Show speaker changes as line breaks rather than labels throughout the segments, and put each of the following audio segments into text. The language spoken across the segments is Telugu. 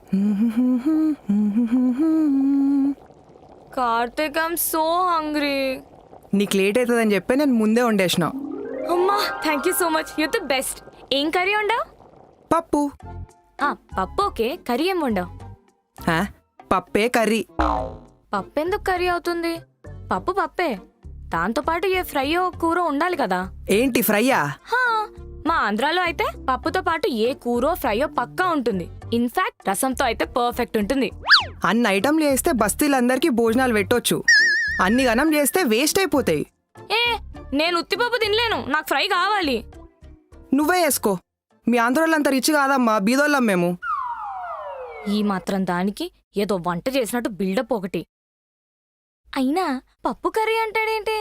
Karthik I'm so hungry.
నీకు లేట్ అవుతుందని చెప్పి నేను ముందే వండేసిన.
అమ్మా thank you so much, you the best. ఏం కర్రీ వండావు?
పప్పు.
పప్పు ఓకే, కర్రీ ఏం వండావు?
పప్పే కర్రీ.
పప్పు ఎందుకు కర్రీ అవుతుంది? పప్పు పప్పే, దాంతో పాటు ఏ ఫ్రైయో కూర ఉండాలి కదా.
ఏంటి ఫ్రైయా?
మా ఆంధ్రాలో అయితే పప్పుతో పాటు ఏ కూరో ఫ్రైయో పక్కా ఉంటుంది. ఇన్ఫాక్ట్ రసంతో అయితే పర్ఫెక్ట్ ఉంటుంది.
అన్ని ఐటమ్లు చేస్తే బస్తీలందరికీ భోజనాలు పెట్టొచ్చు, అన్ని గనం చేస్తే వేస్ట్ అయిపోతాయి.
నేను ఉత్తిపప్పు తినలేను, నాకు ఫ్రై కావాలి.
నువ్వే వేసుకో, మీ ఆంధ్రోళ్ళంతా రిచ్ కాదమ్మా, బీదోళ్ళం మేము.
ఈ మాత్రం దానికి ఏదో వంట చేసినట్టు బిల్డప్ ఒకటి. అయినా పప్పు కర్రీ అంటాడేంటి?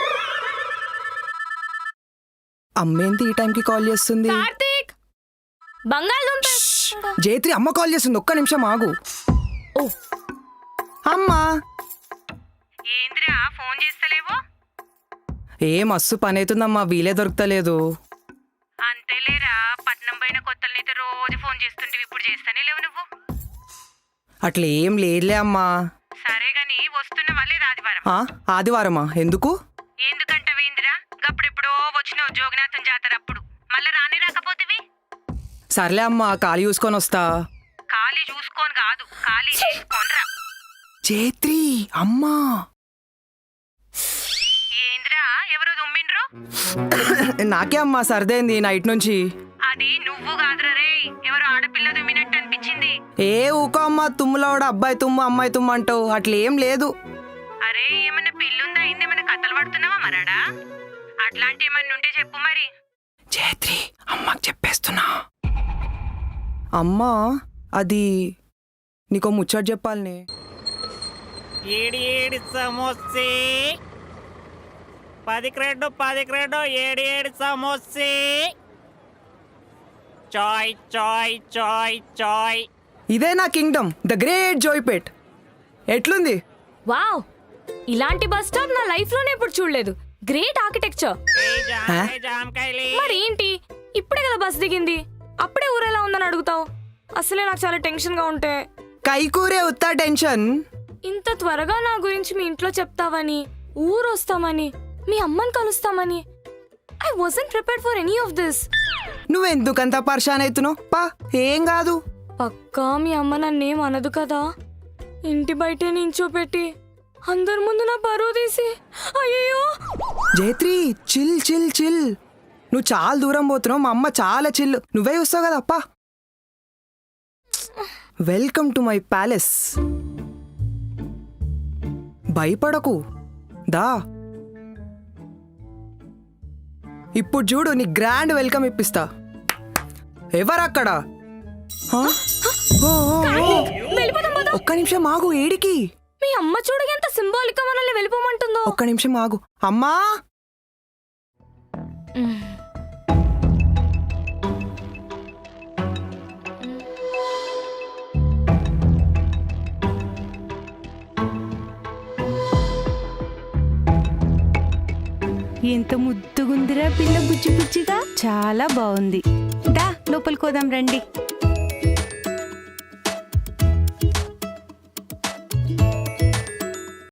అమ్మేంటి ఈ టైంకి కాల్ చేస్తుంది?
కార్తీక్, బంగాళదుంప.
జైత్రి అమ్మ కాల్ చేస్తుంది, ఒక్క నిమిషం ఆగు.
ఓ
అమ్మా,
ఏంద్రా ఫోన్ చేస్తలేవు?
ఏ మస్తు పని అవుతుందమ్మా, వీలే దొరుకుతలేదు.
అంతేలేరా, పట్నం పోయిన కొత్తలనైతే రోజు ఫోన్ చేస్తుంటే ఇప్పుడు చేస్తానే లేవు నువ్వు.
అట్లా ఏం లేదులే అమ్మా.
సరే గాని వస్తున్నవా లేదా ఆదివారం?
ఆదివారమా? ఎందుకు?
ఎందుకంటవేందిరా, గప్పుడెప్పుడో వచ్చినావు జోగినాథం జాతర అప్పుడు, మళ్ళా రాని రాకపోతివి.
సర్లే అమ్మా, ఖాళీ చూసుకొని వస్తా.
ఖాళీ చూసుకోని కాదు, ఖాళీ చేసుకోనరా.
జైత్రి అమ్మా.
ఏంద్రా ఎవరో దుమ్మిండ్రు?
నాకే అమ్మా సర్దైంది నైట్ నుంచి.
అది నువ్వు కాదురా రే, ఎవరో ఆడపిల్ల దుమ్మినట్టు అనిపించింది.
ఏ ఊకో అమ్మా, తుమ్ములవాడు అబ్బాయి తుమ్ము అమ్మాయి తుమ్ము అంటావు, అట్లేం లేదు.
అరే ఏమన్నా పిల్లుందా, ఇందేమన్నా కథలు పడుతున్నావా మరాడా? అట్లాంటి ఏమన్నా ఉంటే చెప్పు మరి.
జైత్రి అమ్మకి చెప్పేస్తున్నా. అమ్మా అది నీకో ముచ్చట చెప్పాలనే.
ఏడి ఏడి సమోసే 10 క్రెడ్డు ఏడి సమోసే. చాయ్ చాయ్ చాయ్ చాయ్.
ఇదే నా కింగ్డమ్, ద గ్రేట్ జోయ్పేట్. ఎట్లుంది?
వావ్, ఇలాంటి బస్ స్టాప్ నా లైఫ్ లోనే ఎప్పుడు చూడలేదు. Great architecture. మరేంటి ఇప్పుడే కదా బస్ దిగింది, అప్పుడే ఊరెలా ఉందని అడుగుతావు? అసలే నాకు చాలా టెన్షన్ గా ఉంటే.
కైకూరే ఉత్తా టెన్షన్.
ఇంత త్వరగా నా గురించి మీ ఇంట్లో చెప్తావని, ఊరు వస్తామని, మీ అమ్మని కలుస్తామని I wasn't prepared for any of this.
నువ్వెందుకంత పర్షాన్ అవుతున్నావు? పా, ఏం కాదు.
పక్కా మీ అమ్మ నన్నేం అనదు కదా? ఇంటి బయటే నించోపెట్టి అందరి ముందు నా పరువు తీసి. అయ్యో
జైత్రి చిల్ చిల్ చిల్, నువ్వు చాలా దూరం పోతున్నావు, మా అమ్మ చాలా చిల్లు, నువ్వే చూస్తావు కదా. అప్పా, వెల్కమ్ టు మై ప్యాలెస్. భయపడకు, దా. ఇప్పుడు చూడు, నీ గ్రాండ్ వెల్కమ్ ఇప్పిస్తా. ఎవరక్కడ? ఒక్క నిమిషం ఆగు. ఏడికి?
మీ అమ్మ చూడు ఎంత సింబాలిక్ గా మనల్ని వెళ్ళిపోమంటుందో.
ఒక్క నిమిషం ఆగు. అమ్మా,
ఎంత ముద్దుగుందిరా పిల్ల, బుజ్జి బుజ్జిగా, చాలా బాగుంది. దా లోపలికి పోదాం రండి.